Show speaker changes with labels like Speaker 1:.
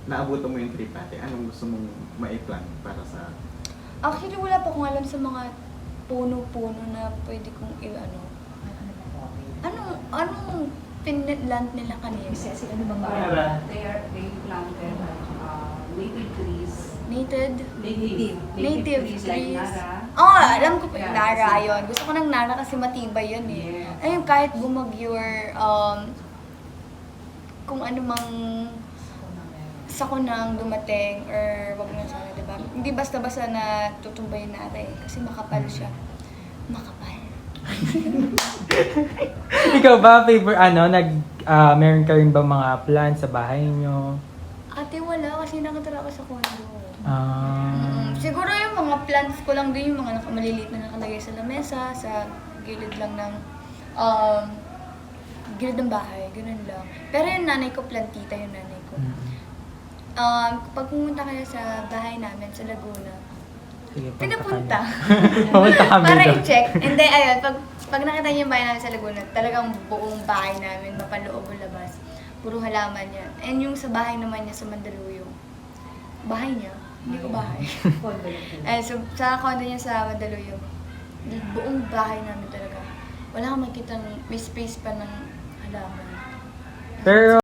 Speaker 1: naabutan mo yung trip ate, anong gusto mong maiplan para sa...
Speaker 2: Actually, wala pa akong alam sa mga puno-puno na pwede kong i-ano. Anong pinland nila kanina?
Speaker 3: Kasi ano bang
Speaker 1: Para.
Speaker 4: They planted native trees.
Speaker 2: Native
Speaker 4: trees
Speaker 2: trees.
Speaker 4: like Nara.
Speaker 2: Alam ko pa yung
Speaker 4: Yeah,
Speaker 2: Nara
Speaker 4: kasi-
Speaker 2: yun. Gusto ko ng Nara kasi matibay yun eh.
Speaker 4: Yes.
Speaker 2: Ayun, kahit bumagyo or kung ano mang sakunang dumating or wag na sana, diba? Hindi basta-basta na tutumbayin natin kasi makapal siya. Makapal.
Speaker 5: Ikaw ba, meron ka rin ba mga plans sa bahay niyo?
Speaker 2: Ate, wala kasi nakatira ako sa condo.
Speaker 5: Ah.
Speaker 2: Siguro yung mga plants ko lang din, yung mga maliliit na nakalagay sa lamesa, sa gilid lang ng gilid ng bahay, ganun lang. Pero yung nanay ko, plantita yung nanay ko. Pag pumunta kayo sa bahay namin sa Laguna,
Speaker 5: Sige,
Speaker 2: pinapunta.
Speaker 5: Pumunta kami
Speaker 2: Para
Speaker 5: doon.
Speaker 2: i-check. And then, ayun, pag nakita niyo yung bahay namin sa Laguna, talagang buong bahay namin, mapaloob o labas. Puro halaman yan. And yung sa bahay naman niya sa Mandaluyong, bahay niya, hindi ko bahay. So, sa condo niya sa Mandaluyong, buong bahay namin talaga. Wala kang makita, may space pa ng halaman.
Speaker 5: Pero